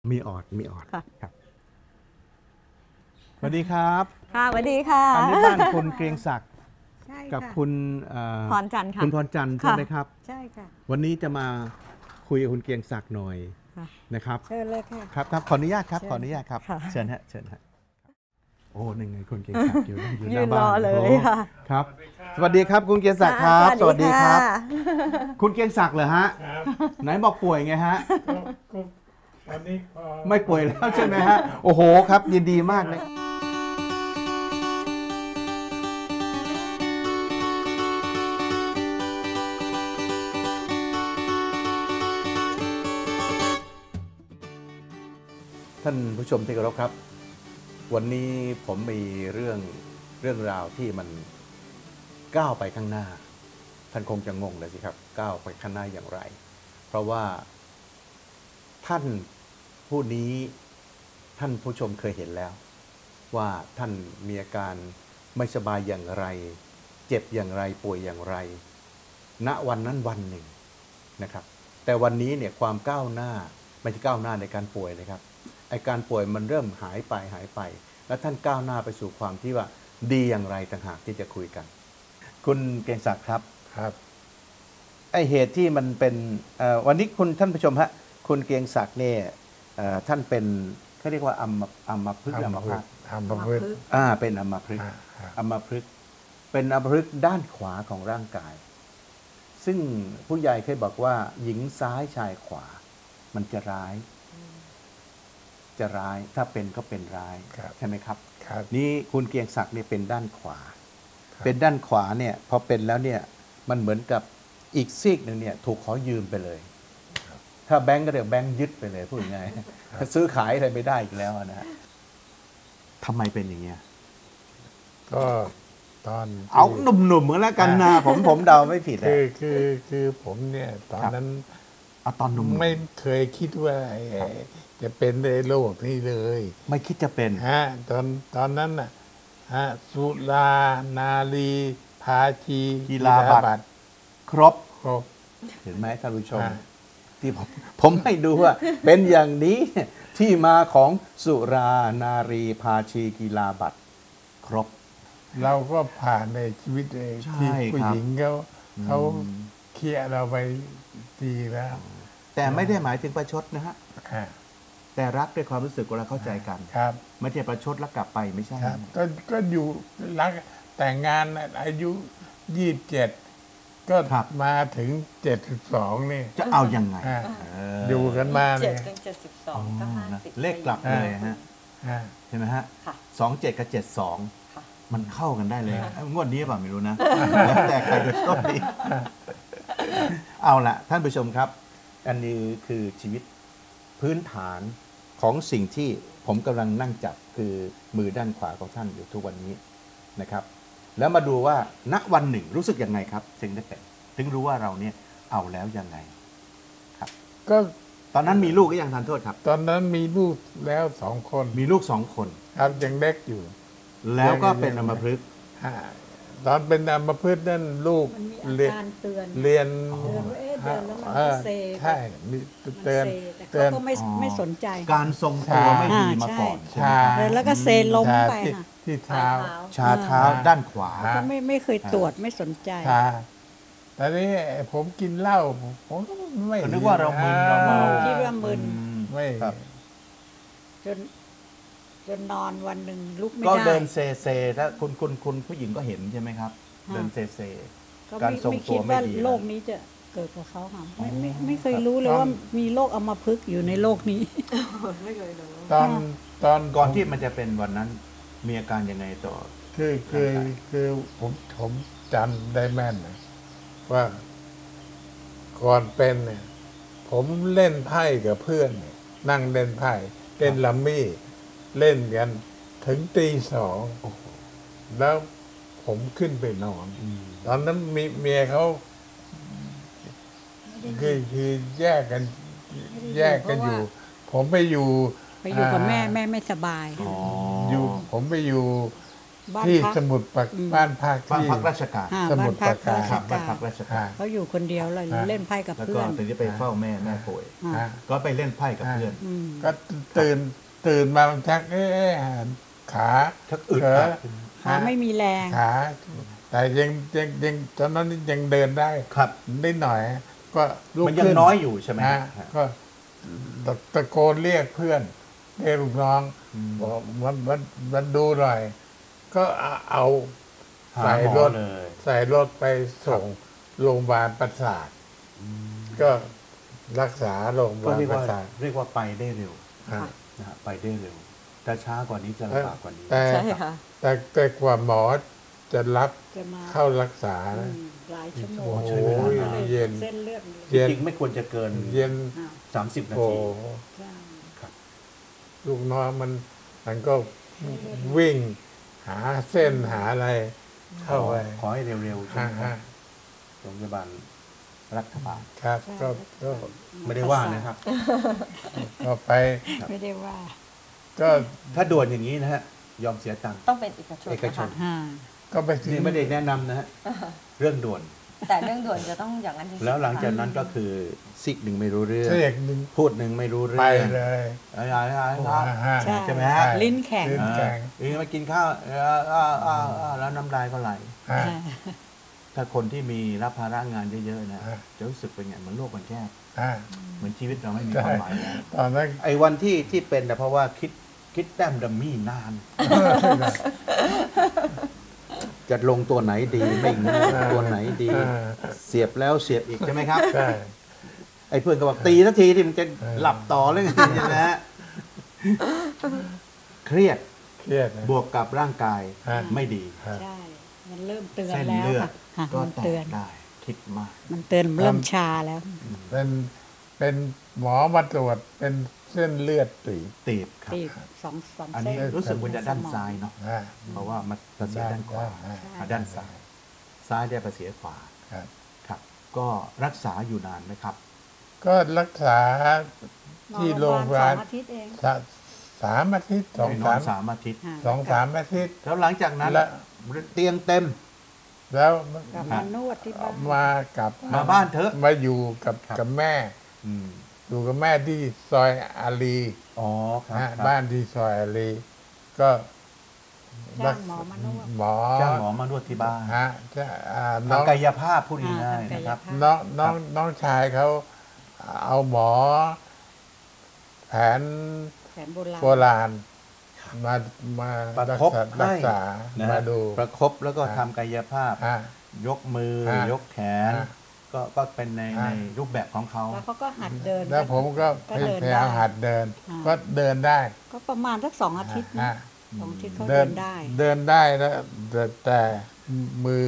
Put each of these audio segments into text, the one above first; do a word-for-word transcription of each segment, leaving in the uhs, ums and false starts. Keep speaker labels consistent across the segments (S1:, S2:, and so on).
S1: มีออดมีออดครับสวัสดีครับ
S2: ค่ะสวัสดีค่ะ
S1: อันนี้บ้านคุณเกรียงศักดิ์กับคุณ
S2: พรจันทร์ค่ะ
S1: คุณพรจันทร์ใช่ไหมครับ
S3: ใช่ค่ะ
S1: วันนี้จะมาคุยกับคุณเกรียงศักดิ์หน่อยนะครับ
S3: เชิญเลยค่ะ
S1: ครับครับขออนุญาตครับขออนุญาตครับเชิญฮะเชิญฮะโอ้หนึ่งไงคุณเกรียงศักดิ์อยู่อยู่หน้าบ้าน
S2: เลยค่ะ
S1: ครับสวัสดีครับคุณเกรียงศักดิ์ครับสวัสดีครับคุณเกรียงศักดิ์เหรอฮะไหนบอกป่วยไงฮะ
S4: วันนี้
S1: ไม่ป่วยแล้วใช่ไหมฮะโอ้โหครับยินดีมากเลยท่านผู้ชมที่เคารพครับวันนี้ผมมีเรื่องเรื่องราวที่มันก้าวไปข้างหน้าท่านคงจะงงเลยสิครับก้าวไปข้างหน้าอย่างไรเพราะว่าท่านผู้นี้ท่านผู้ชมเคยเห็นแล้วว่าท่านมีอาการไม่สบายอย่างไรเจ็บอย่างไรป่วยอย่างไรณวันนั้นวันหนึ่งนะครับแต่วันนี้เนี่ยความก้าวหน้าไม่ใช่ก้าวหน้าในการป่วยนะครับไอ้การป่วยมันเริ่มหายไปหายไปแล้วท่านก้าวหน้าไปสู่ความที่ว่าดีอย่างไรต่างหากที่จะคุยกันคุณเกรียงศักดิ์ครับ
S4: ครับ
S1: ไอ้เหตุที่มันเป็นวันนี้คุณท่านผู้ชมฮะคุณเกรียงศักดิ์เนี่ยท่านเป็นเขาเรียกว่าอัมอัมพฤกษ์อัมพาต
S4: อัมพฤกษ์
S1: อ่าเป็นอัมพฤกษ์อัมพฤกษ์เป็นอัมพฤกษ์ด้านขวาของร่างกายซึ่งผู้ใหญ่เคยบอกว่าหญิงซ้ายชายขวามันจะร้ายจะร้ายถ้าเป็นก็เป็นร้ายใช่ไหมครับนี่คุณเกรียงศักดิ์เนี่ยเป็นด้านขวาเป็นด้านขวาเนี่ยพอเป็นแล้วเนี่ยมันเหมือนกับอีกซีกหนึ่งเนี่ยถูกขอยืมไปเลยถ้าแบงก์ก็เรียกแบงก์ยึดไปเลยพูดง่ายๆซื้อขายอะไรไม่ได้อีกแล้วนะฮะทำไมเป็นอย่างเงี้ย
S4: ก็ตอน
S1: เอาหนุ่มๆเหมือนแล้วกันนะผมผมเดาไม่ผิด
S4: คือคือคือผมเนี่ยตอนนั้น
S1: เอาตอนหนุ่ม
S4: ไม่เคยคิดว่าจะเป็นในโลกนี้เลย
S1: ไม่คิดจะเป็น
S4: ฮะตอนตอนนั้นน่ะฮะสุรานารีภาชี
S1: กีฬาบัตรครบ
S4: ครบ
S1: เห็นไหมท่านผู้ชมที่ผมผมให้ดูว่าเป็นอย่างนี้ที่มาของสุรานารีภาชีกีฬาบัตรครบ
S4: เราก็ผ่านในชีวิตที่ผู้หญิงเขาเขาเคลียร์เราไปดีแล้ว
S1: แต่ไม่ได้หมายถึงประชดนะฮะแต่รักด้วยความรู้สึกเวลาเข้าใจกัน
S4: ครับ
S1: ไม่ใช่ประชดแล้วกลับไปไม่ใช่
S4: ครับก็ก็อยู่รักแต่งงานอายุยี่สิบเจ็ดก็มาถึงเจ็ดสิบสองนี่
S1: จะเอายังไง
S4: อยู่กันมา
S2: เจ็ดถึงเจ็ดสิบสองก็ห้าสิบ
S1: เลขกลับเลยฮะใช่ไหมฮะสองเจ็ดกับเจ็ดสองมันเข้ากันได้เลยงวดนี้เปล่าไม่รู้นะแล้วแต่ใครจะโชคดีเอาละท่านผู้ชมครับอันนี้คือชีวิตพื้นฐานของสิ่งที่ผมกำลังนั่งจับคือมือด้านขวาของท่านอยู่ทุกวันนี้นะครับแล้วมาดูว่าณวันหนึ่งรู้สึกยังไงครับถึงได้เป็นถึงรู้ว่าเราเนี่ยเอาแล้วยังไงครับ
S4: ก็
S1: ตอนนั้นมีลูกก็ยังทานโทษครับ
S4: ตอนนั้นมีลูกแล้วสองคน
S1: มีลูกสองคน
S4: ครับยังเล็กอยู่
S1: แล้วก็เป็นอัมพฤกษ์
S4: ตอนเป็นอัมพฤกษ์นั่นลูก
S3: เรียน
S4: เรียน
S3: ใช่
S4: เตือน
S3: เตือนก็ไม่ไม่สนใจ
S1: การทรงตัวไม่ดีมาก่อน
S3: ใช่แล้วก็เซล้มไป
S4: ที่เท้า
S1: ชาเท้าด้านขวา
S3: ก็ไม่ไม่เคยตรวจไม่สนใจ
S4: แต่นี้ผมกินเหล้าผมไม่
S1: นึกว่าเรามึนเราเมา
S3: คิดว่ามึน
S4: ไม่
S3: จนจนนอนวันหนึ่งลุกไม่
S1: ได้ก็
S3: เ
S1: ดินเซเซแล้วคุณคุณคุณผู้หญิงก็เห็นใช่ไหมครับเดินเซเซ
S3: การทรงตัวไม่ดีโรคนี้จะเกิดกับเขาค่ะไม่ไม่ไม่เคยรู้เลยว่ามีโรคอัมพฤกษ์อยู่ในโลกนี้
S2: ไม่เคยรู้
S4: ตอนตอน
S1: ก่อนที่มันจะเป็นวันนั้นมีอาการยังไงต่อ
S4: คือคือคือผมผมจำได้แม่นนะว่าก่อนเป็นเนี่ยผมเล่นไพ่กับเพื่อนนั่งเล่นไพ่เล่นลัมมี่เล่นกันถึงตีสองแล้วผมขึ้นไปนอนตอนนั้นมีเมียเขาคือคือแยกกันแยกกันอยู่ผมไปอยู่
S3: ไปอยู่กับแม่แม่ไม่สบาย
S4: อยู่ผมไปอยู่
S3: บ้าน
S4: ที่
S3: พัก
S4: สมุดปรา
S3: อืม
S4: บ้านพัก
S5: บ้าน
S4: ที่
S5: พักราชการ
S3: อ่า
S4: สมุ
S3: บ้าน
S4: ทร
S3: พัก
S4: ปราการ
S3: ราช
S5: ครับบ้าน
S3: กา
S5: พัก
S3: ร
S5: ราชการ
S3: เขาอยู่คนเดียวเลย
S4: อ่า
S3: เล่นไพ่กับ
S5: แล้ว
S3: เพื่
S5: ก็
S3: อน
S5: ตอนนี้ไปเฝ้าแม่แม่ป่วย
S3: อ่า
S4: อ่า
S5: ก็ไปเล่นไพ่กับเพื่อน
S3: อืม
S4: ก็ตื่นตื่นมามันชักเอ๊ะขา
S5: ชักอึด
S4: เข
S5: อัด
S3: ขาไม่มีแรง
S4: ขา แต่ยังยังยังตอนนั้นยังเดินได้
S5: ครับ
S4: นิดหน่อย ก็ลุก
S5: มันยัง
S4: ขึ้น
S5: น้อยอยู่ใช่ไหม
S4: ฮะ
S5: ฮะ
S4: ก็ตะตะโกนเรียกเพื่อนเรียกลูกน้อง
S5: อืม
S4: บอกมันมันมันดูหน่อย ก็เอาเอา
S5: หา
S4: ใส่
S5: หม
S4: ร
S5: อ
S4: ถ
S5: เลย
S4: ใส่รถไปส่งโรงพยาบาลประสาท ก็รักษาโรงพยา
S5: ก็
S4: บาล
S5: เรียก
S4: ประ
S5: ว่า
S4: สาท
S5: เรียกว่าไปได้เร็ว
S4: ฮะ
S5: นะฮะไปได้เร็ว แต่ช้ากว่านี้จะลำบากกว่านี้
S4: แต่
S2: ใช่ค่ะ
S4: แต่แต่กว่าหมอจะรับ
S3: จะมา
S4: เข้ารักษา
S3: อื
S4: นะ
S3: มหลายชั่วโม
S4: โอ้
S3: ง
S4: โห
S5: ใช้เวลานาน
S4: เย็น
S3: เส้นเลือด
S4: เย็น
S5: จริงๆไม่ควรจะเกิน
S4: เย็น
S3: อ่า
S5: สามสิบนา
S4: โอ้
S5: ที
S3: ใช่
S4: ลูกน้องมันมันก็วิ่งหาเส้นหาอะไร เข้าไป
S5: ขอให้เร็วๆใช่
S4: ฮะ
S5: ไหมครั
S4: ฮะ
S5: บโรงพยาบาลรัฐบาล
S4: ครับ
S3: ใช่
S4: ก็ก็
S5: ไม่ได้ว่านะครับ
S4: ก็ไป
S3: ไม่ได้ว่า
S4: ก็
S5: ถ้าด่วนอย่างนี้นะฮะ ยอมเสียตังค์
S2: ต้องเป็นเอกชน
S5: เอกชน
S2: นะคะ
S3: อ่า
S4: ก็ไปถึง
S5: นี่ไม่ได้แนะนำนะฮะ เรื่องด่วน
S2: แต่เรื่องด่วนจะต้องอย่างนั้นจริงๆ
S5: แล้วหลังจาก
S2: ค่ะ
S5: นั้นก็คือซิกหนึ่งไม่รู้เรื่อง
S4: เสียกหนึ่ง
S5: พูดหนึ่งไม่รู้เรื่
S4: ไป
S5: อง
S4: เลย
S5: อะไรอะไรอะไร
S4: โอ้ฮะ
S3: ใช่
S5: ใช่ไหมฮะ
S3: ลิ้นแข็ง
S4: ลิ้น แกง
S5: เออมากินข้าวเอออ่าอ่าอ่าแล้วน้ำลายก็ไหล
S4: ฮะ
S5: ถ้าคนที่มีรับภาระงานเยอะๆนะ
S4: ฮะ
S5: จะรู้สึกเป็นไงเหมือนโลกมันแคบ
S4: ฮะ
S5: เหมือนชีวิตเราไม่มี
S4: ใช่
S5: ความหมายแล้ว
S4: ตอนนั้น
S5: ไอ้วันที่ที่เป็นนะเพราะว่าคิดคิดแต้มดัมมี่นาน จะลงตัวไหนดีไม่งูตัวไหนดี
S4: เออ
S5: เสียบแล้วเสียบอีกใช่ไหมครับ
S4: ใช่
S5: ไอ้เพื่อนก็บอกตีสักทีที่มันจะหลับต่อเลยไงนะฮะเครียด
S4: เครียดนะ
S5: บวกกับร่างกาย
S4: ฮะ
S5: ไม่ดี
S4: ฮะ
S3: ใช่ มันเริ่มเตือน
S5: เส้น
S3: แล้ว
S5: เลือด
S3: ค่ะค่ะ
S5: ก็
S3: มัน
S5: แต
S3: เตือก น
S5: ได้ คิดมาก
S3: มันเตือนเริ่มชาแล้ว
S4: เป็นเป็นหมอมาตรวจเป็นเส้นเลือดตีบ
S5: ตีบครับ
S3: ตีบสองสอง
S5: อัน
S3: เส้
S5: นี้
S3: น
S5: รู้สึกว่าจะด้านซ้ายเนาะ
S4: ฮะ
S5: เพราะว่ามันประเสียด้านขวา
S4: ฮะ
S5: อ่ะด้านซ้าย ซ้ายได้ประเสียขวา
S4: ครับ
S5: ครับ ก็รักษาอยู่นานไหมครับ
S4: ก็รักษาที่โรงพยาบาล
S3: สองอาทิตย์เอง
S4: สะสามอาทิตย์สอง
S5: ไปนอ
S4: สาน ม
S5: สามอาทิตย์
S3: ค่ะ
S4: สองสามอาทิตย์
S5: แล้วหลังจากนั้น
S4: และ
S5: เตียงเต็ม
S4: แล้ว
S3: กลับมานวดที่บ้าน
S4: มากลับ
S5: มาบ้านเถอะ
S4: มาอยู่กับ
S5: ครับ
S4: กับแม่
S5: อืม
S4: อยู่กับแม่ที่ซอยอารี
S5: อ๋อครับ
S4: ฮะ
S5: ครับ
S4: บ้านที่ซอยอารีก็
S3: จ้างหมอมานวด
S4: หมอ
S5: จ้างหมอมานวดที่บ้าน
S4: ฮะจะอ่าน้อง
S5: ทำกายภาพพูดง่าย
S3: อ่า
S5: ๆ
S3: ทำกาย
S5: นะครับ
S3: ภาพ
S4: น้องน้องน้องชายเขาเอาหมอ แผน
S3: แผนโบราณ
S4: โบราณ มามา
S5: ประ
S4: รัก
S5: คบ
S4: ษา
S5: ให้
S4: รักษา
S5: นะ
S4: มา
S5: ฮะ
S4: ดู
S5: ประคบแล้วก็
S4: ฮะ
S5: ทำกายภาพ
S4: ฮะ
S5: ยกมือ
S4: ฮะ
S5: ยกแขน
S4: ฮะ
S5: ก็ก็เป็นใน
S4: ฮะ
S5: ในรูปแบบของเขา
S3: แล้วเขาก็หัดเดิน
S4: แล้วผมก็
S3: ก็เดิน
S4: พยายาม
S3: ได้
S4: หัดเดิน
S3: อ่า
S4: ก็เดินได้
S3: ก็ประมาณสักสองอาทิตย์นะ
S4: ฮะ
S3: สองอาทิตย์เขา
S4: เดิ
S3: เดิ
S4: น
S3: นได้
S4: เดินได้แล้วแต่แต่มือย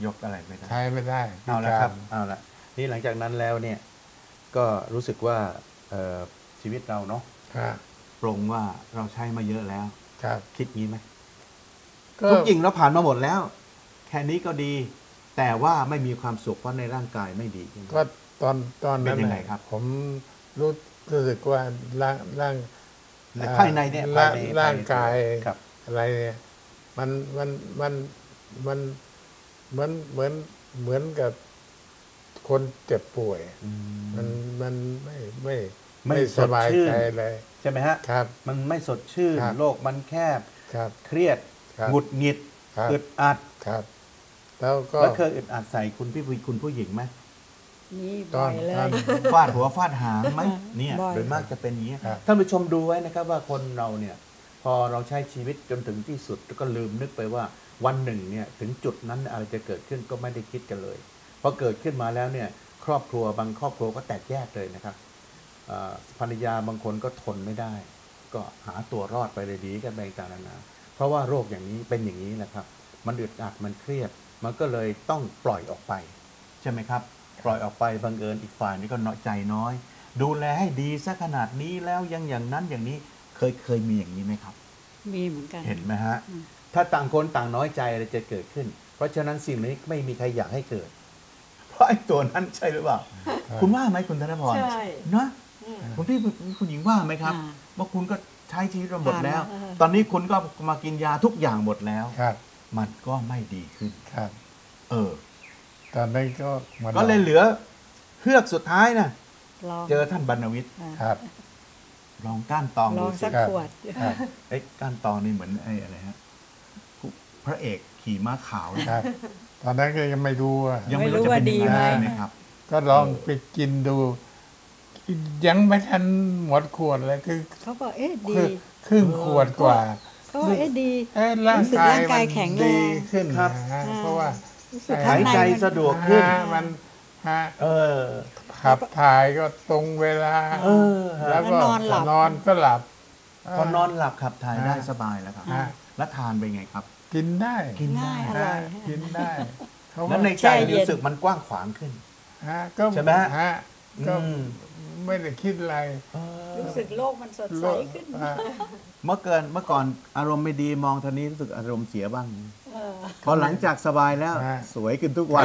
S5: กอะไรไม่ได้
S4: ใช้ไม่ได้
S5: เอาละครับ
S4: พิก
S5: เอาละนี่หลังจากนั้นแล้วเนี่ย ก็รู้สึกว่าเอ่อชีวิตเราเนาะ
S4: าร
S5: ปรงว่าเราใช้มาเยอะแล้ว
S4: ครับ
S5: คิดงี้ไหม
S4: ก็
S5: ทุกอย่างเราผ่านมาหมดแล้ว แค่นี้ก็ดี แต่ว่าไม่มีความสุขเพราะในร่างกายไม่ดีใช่ไหม
S4: ก็ตอนตอนนั้น
S5: เป็นยังไง
S4: น่ะ
S5: ครับ
S4: ผมรู้รู้สึกว่าร่างร่าง
S5: ในภายในเนี่ย
S4: ร่า
S5: ภาง ยใน
S4: ร่างกาย
S5: ครับ
S4: อะไรเนี่ยมันมันมันมันเหมือนเหมือนเหมือนกับคนเจ็บป่วย
S5: อืม
S4: มันมันไม่ไม่
S5: ไม่
S4: ไม่
S5: ส
S4: ส
S5: ด
S4: บาย
S5: ชื่น
S4: ใจเลย
S5: ใช่ไหมฮะ
S4: ครับ
S5: มันไม่สดชื่น
S4: ครับ
S5: โลกมันแคบ
S4: ครับ
S5: เครียด
S4: ครับ
S5: หงุดหงิด
S4: ครับ
S5: อึดอัด
S4: ครับ แล้วก็
S5: แล้วเคยอึดอัดใส่คุณพี่ผู้คุณผู้หญิงไหม
S3: นี่
S4: ต
S3: บ่
S4: อ
S3: อน ยเล
S4: ตอน
S3: ย
S5: ฟาดหัวฟาดหางไหมเนี่ย
S3: บ่อย
S5: โดยมากจะเป็นอย่างนี้
S4: ครับ
S5: ท่านผู้ชมดูไว้นะครับว่าคนเราเนี่ย พอเราใช้ชีวิตจนถึงที่สุดก็ลืมนึกไปว่าวันหนึ่งเนี่ยถึงจุดนั้นอะไรจะเกิดขึ้นก็ไม่ได้คิดกันเลยพอเกิดขึ้นมาแล้วเนี่ย ครอบครัวบางครอบครัวก็แตกแยกเลยนะครับอ่าภรรยาบางคนก็ทนไม่ได้ ก็หาตัวรอดไปเลยดีกันไปต่างๆนานาเพราะว่าโรคอย่างนี้เป็นอย่างนี้แหละครับ มันอึดอัดมันเครียด มันก็เลยต้องปล่อยออกไป ใช่ไหมครับ ปล่อยออกไปบังเอิญอีกฝ่ายนี้ก็น้อยใจน้อย ดูแลให้ดีซะขนาดนี้แล้วยังอย่างนั้นอย่างนี้เคยเคยมีอย่างนี้ไหมครับ
S3: มีเหมือนกัน
S5: เห็นไหมฮะ
S3: อืม
S5: ถ้าต่างคนต่างน้อยใจอะไรจะเกิดขึ้น เพราะฉะนั้นสิ่งนี้ไม่มีใครอยากให้เกิด เพราะไอ้ตัวนั้นใช่หรือเปล่า คุณว่าไหมคุณธนพร
S2: ใช่
S5: เนาะ
S2: อืม
S5: คุณพี่คุณหญิงว่าไหมครับ
S3: อ่า
S5: ว่าคุณก็ใช้ชีวิตมาหมดแล้ว
S3: ผ่านมาเออ
S5: ตอนนี้คุณก็มากินยาทุกอย่างหมดแล้ว
S4: ครับ
S5: มันก็ไม่ดีขึ้น
S4: ครับ
S5: เออ
S4: ตอนนั้นก็มา
S5: ก็เลยเหลือเฮือกสุดท้ายนะ
S3: ลอง
S5: เจอท่านบรรณวิทย์
S3: อ่า
S4: ครับ
S5: ลองก้านตอง
S3: ล
S5: ดู
S3: อง
S5: สิ
S3: สัก
S4: ครับ
S3: ขวด
S4: ครับ
S5: เอ้ยก้านตองนี่เหมือนไอ้อะไรฮะผู้พระเอกขี่ม้าขาวเนี่ย
S4: ครับ ตอนนั้นก็ยังไม่รู้อ่ะ
S5: ยังไม่รู้จะเป็นยังไงใช่ไหมครับ
S4: ก็ลองไปกินดู ยังไม่ทันหมดขวดเลยคือ
S3: เขาก็เอ๊ะดี
S4: คือครึ่งขวดกว่า
S3: เขาก็เอ๊ะดี
S4: เอ้ร่าง
S3: รู้สึก
S4: กาย
S3: ร่างกาย
S4: มัน
S3: แข็งแรง
S4: ดีขึ้น
S5: ครับ
S4: นะฮะ
S3: อ่า
S4: เพราะว่า
S3: รู้สึก
S4: หา
S3: ข้าง
S5: หาย
S3: ใน
S5: ใจ
S3: มัน
S5: สะดวกขึ้น
S4: ฮะมันฮะ
S5: เออ
S4: ขับถ่ายก็ตรงเวลา
S5: เออฮะ
S4: แล้วก็
S3: แล้วนอนหลับ
S4: นอนก็หลับ
S5: พอนอนหลับขับถ่ายได้
S4: อ่า
S5: สบายแล้วครับ
S4: อ่า
S5: แล้วทานเป็นไงครับ
S4: กินได้
S5: กินได้
S3: ง่ายอร่อย
S4: ฮะกินได้เขา
S5: แล้วในใจรู้สึกมันกว้างขวางขึ้น
S4: ฮะก็
S5: ใช่ไหมฮะ
S4: ฮะก็
S5: อืม
S4: ไม่ได้คิดอะไร
S3: รู้สึกโลกมันสดใสขึ้น
S4: ฮะ
S5: เมื่อเกินเมื่อก่อนอารมณ์ไม่ดีมองทางนี้รู้สึกอารมณ์เสียบ้าง
S3: เออ
S5: พอหลังจากสบายแล้ว
S4: ฮะ
S5: สวยขึ้นทุกวัน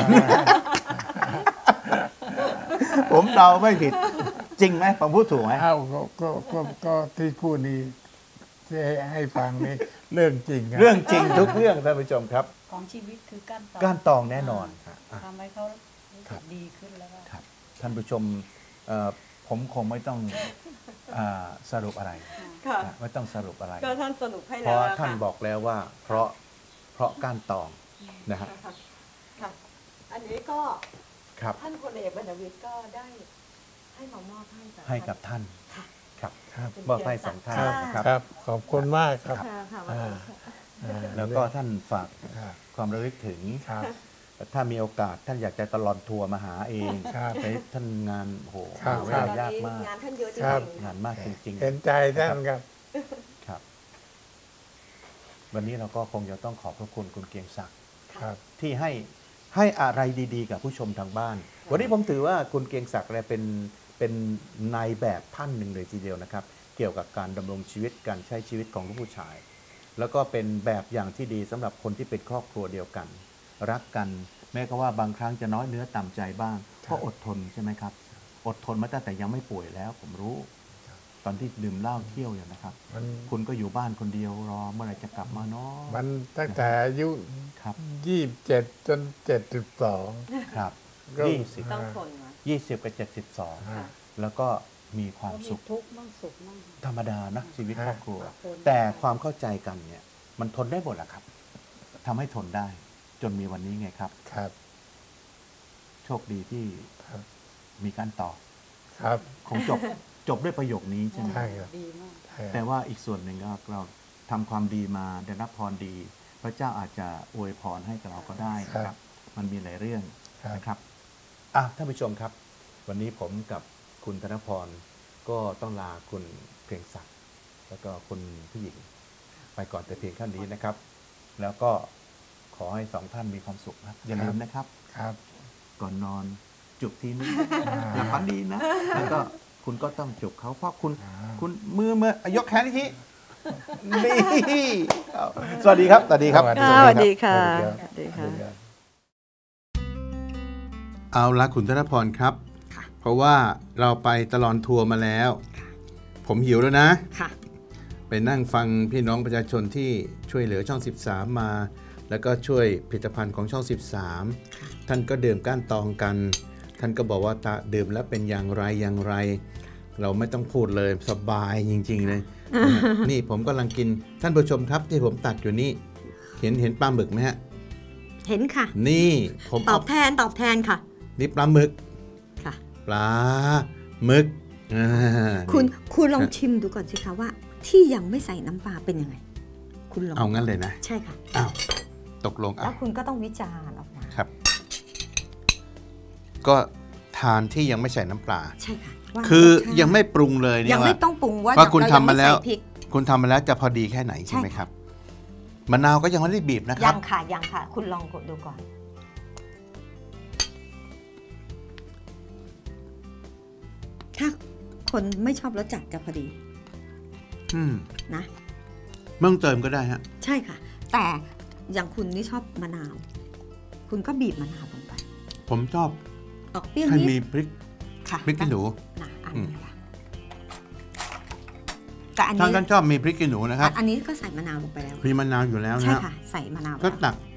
S5: ผมเดาไม่ผิด จริงไหมผมพูดถูกไหม
S4: เอ้าก็ก็ก็ก็ที่พูดนี้ที่ให้ฟังนี่เรื่องจริงะ
S5: เรื่องจริงทุกเรื่องท่านผู้ชมครับ
S3: ของชีวิตคือการตอง
S5: ก้านตองแน่นอนครับ
S3: ทำให้เขารู้สึกดีขึ้นแล้วก็
S5: ครับท่านผู้ชมเอ่อผมคงไม่ต้องอ่าสรุปอะไร
S2: ค่ะ
S5: นะไม่ต้องสรุปอะไร
S2: ก็ท่านสรุปให้
S5: เพ
S2: แล้ว
S5: ราะ
S2: อะ
S5: ท่าน
S2: ค่ะ
S5: บอกแล้วว่า เพราะเพราะก้านตองนะฮะ
S2: ค่ะค่ะ อันนี้ก็
S5: ครับ
S2: ท่านพลเอกบรรณวิทย์ก็ได้ให้มามอบให้กับ
S5: ให้กับท่าน
S2: ค่ะ
S5: ครับ
S4: ครับ
S5: มอบให้สองท่านนะครับ
S4: ครับ ขอบคุณมากครับ
S2: ค่ะค่ะ
S4: อ่าอ่า
S5: แล้วก็ท่านฝาก
S4: ครับ
S5: ความระลึกถึง
S4: ครับ
S5: ถ้ามีโอกาสท่านอยากจะตลอดทัวร์มาหาเอง
S4: ครับ
S5: ไปท่านงานโอ้โห
S4: ครับ
S5: หาเว
S2: ตอ
S5: ลาน ยาก
S2: นี้
S5: มาก
S2: งานท่านเยอะจ
S4: ครับ
S2: ริงๆ
S5: งานมากจริง
S4: เห็นใจท่านครับ
S5: ๆครับ วันนี้เราก็คงจะต้องขอบพระคุณคุณเกรียงศักดิ์
S4: ครับ
S5: ที่ให้ให้อะไรดีๆ กับผู้ชมทางบ้าน วันนี้ผมถือว่าคุณเกรียงศักดิ์เนี่ยเป็นเป็นนายแบบท่านหนึ่งเลยทีเดียวนะครับ เกี่ยวกับการดำรงชีวิตการใช้ชีวิตของลูกผู้ชาย แล้วก็เป็นแบบอย่างที่ดีสำหรับคนที่เป็นครอบครัวเดียวกัน รักกันแม้ก็ว่าบางครั้งจะน้อยเนื้อต่ำใจบ้างก็อดทนใช่ไหมครับ อดทนมาตั้งแต่ยังไม่ป่วยแล้ว ผมรู้ ตอนที่ดื่มเหล้าเที่ยวอยู่นะครับ
S4: มัน
S5: คุณก็อยู่บ้านคนเดียวรอเมื่อไหร่จะกลับมาเนาะ
S4: มันตั้งแต่อายุ
S5: ครับ
S4: ยี่สิบเจ็ดจนเจ็ดสิบสอง
S5: ครับ
S4: ก็
S5: ยี่สิบ
S2: ต้องทนมา
S5: ยี่สิบกับเจ็ดสิบสอง
S4: ฮะ
S5: แล้วก็มีความ
S3: ก็มี
S5: สุข
S3: ทุกข์มั่งสุขมั่ง
S5: ธรรมดานะชีวิตครอบครัว
S3: ฮะ
S5: แต่ความเข้าใจกันเนี่ย มันทนได้หมดแหละครับทำให้ทนได้ จนมีวันนี้ไงครับ
S4: ครับ
S5: โชคดีที่
S4: ครับ
S5: มีการต่อ
S4: ครับ
S5: คงจบ จบด้วยประโยคนี้ใช่ไหม
S4: ใช่ครับ
S3: ดีมาก
S4: ใช่
S5: แต่ว่าอีกส่วนหนึ่งก็เราทำความดีมาได้รับพรดี พระเจ้าอาจจะอวยพรให้กับเราก็ได้นะครับ มันมีหลายเรื่อง
S4: ครับ
S5: นะครับอ่ะท่านผู้ชมครับ วันนี้ผมกับคุณธนพรก็ต้องลาคุณเพียงศักดิ์แล้วก็คุณผู้หญิง ไปก่อนแต่เพียงเท่านี้นะครับ แล้วก็ขอให้สองท่านมีความสุขนะครับอย่าลืมนะครับ
S4: ครับ
S5: ก่อนนอนจุบทีนึงหลับฝันดีนะ แล้วก็คุณก็ต้องจุบเขาเพราะคุณ
S4: อ่า
S5: คุณมือเมื่อยกแขนอีกทีนี่เอาสวัสดีครับ สวัสดีครับ
S4: สวัสดี
S2: สวัสดีค่ะ
S4: สวัส
S2: สวัสดี
S4: ดี
S2: ค่ะ
S4: ครับ
S1: เอาละคุณธนพรครับ เพราะว่าเราไปตลอดทัวร์มาแล้ว ผมหิวแล้วนะ
S2: ค่ะ
S1: ไปนั่งฟังพี่น้องประชาชนที่ช่วยเหลือช่อง สิบสาม มา แล้วก็ช่วยผลิตภัณฑ์ของช่อง สิบสาม ท่านก็ดื่มก้านตองกัน ท่านก็บอกว่าตาดื่มแล้วเป็นอย่างไรอย่างไร เราไม่ต้องพูดเลยสบายจริงๆเลย นี่ผมกำลังกินท่านผู้ชมครับที่ผมตัดอยู่นี่ เห็นเห็นปลาหมึกไหมฮะ
S2: เห็นค่ะ
S1: นี่ผม
S2: ตอ
S1: เอา
S2: บแทนตอบแทนค่ะ
S1: นี่ปลาหมึก
S2: ค่ะ
S1: ปลาหมึกอ่า
S6: คุณ
S1: นี่
S6: คุณลองชิมดูก่อนสิคะว่า ที่ยังไม่ใส่น้ำปลาเป็นยังไง คุณลอง
S1: เอางั้นเลยนะ
S6: ใช่ค่ะ
S1: อ้าวตกลง
S6: แล้
S1: อ่ะ
S6: วคุณก็ต้องวิจารณ์ออกมา
S1: ครับ ก็ทานที่ยังไม่ใส่น้ำปลา
S6: ใช่ค่ะว่า
S1: คือ
S6: รสชาติ
S1: ยังไม่ปรุงเลยเนี่
S6: ยั
S1: ย
S6: ง
S1: ว่า
S6: ไม่ต้องปรุงว่า
S1: ว่าคุณ
S6: เร
S1: ทำมาแล้ว
S6: ยังไใส่พริก
S1: คุณทำมาแล้วจะพอดีแค่ไหนใช่ไหมครับมะนาวก็ยังไม่ได้บีบนะค
S6: ยั
S1: รับ
S6: งค่ะยังค่ะ คุณลองกดดูก่อน ถ้าคนไม่ชอบรสจัดจะพอดี
S1: อืม
S6: นะ
S1: เมื่อเติมก็ได้ฮะ
S6: ใช่ค่ะ แต่อย่างคุณนี่ชอบมะนาว คุณก็บีบมะนาวลงไป
S1: ผมชอบ
S6: ออกเปรี้ยว
S1: ให้
S6: นิด
S1: มีพริก
S6: ค่ะ
S1: พริกขี้หนู
S6: นะอัน
S1: อืม
S6: นี้ค่ะกับอัน
S5: ท่าน
S6: นี้
S5: ท่านชอบมีพริกขี้หนูนะครับ
S6: อันนี้ก็ใส่มะนาวลงไปแล้ว
S5: มีมะนาวอยู่แล้วนะ
S6: ใช่
S5: ฮะ
S6: ค่ะ ใส่มะนาว
S5: ก็
S6: แล้ว
S5: ตัก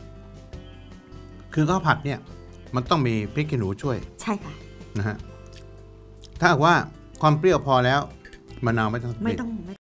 S5: คือข้าวผัดเนี่ย มันต้องมีพริกขี้หนูช่วย
S6: ใช่ค่ะ
S5: นะฮะถ้าหากว่าความเปรี้ยวพอแล้วมะนาวไม่ต้อง
S6: ไม่
S5: บีบ
S6: ต้อง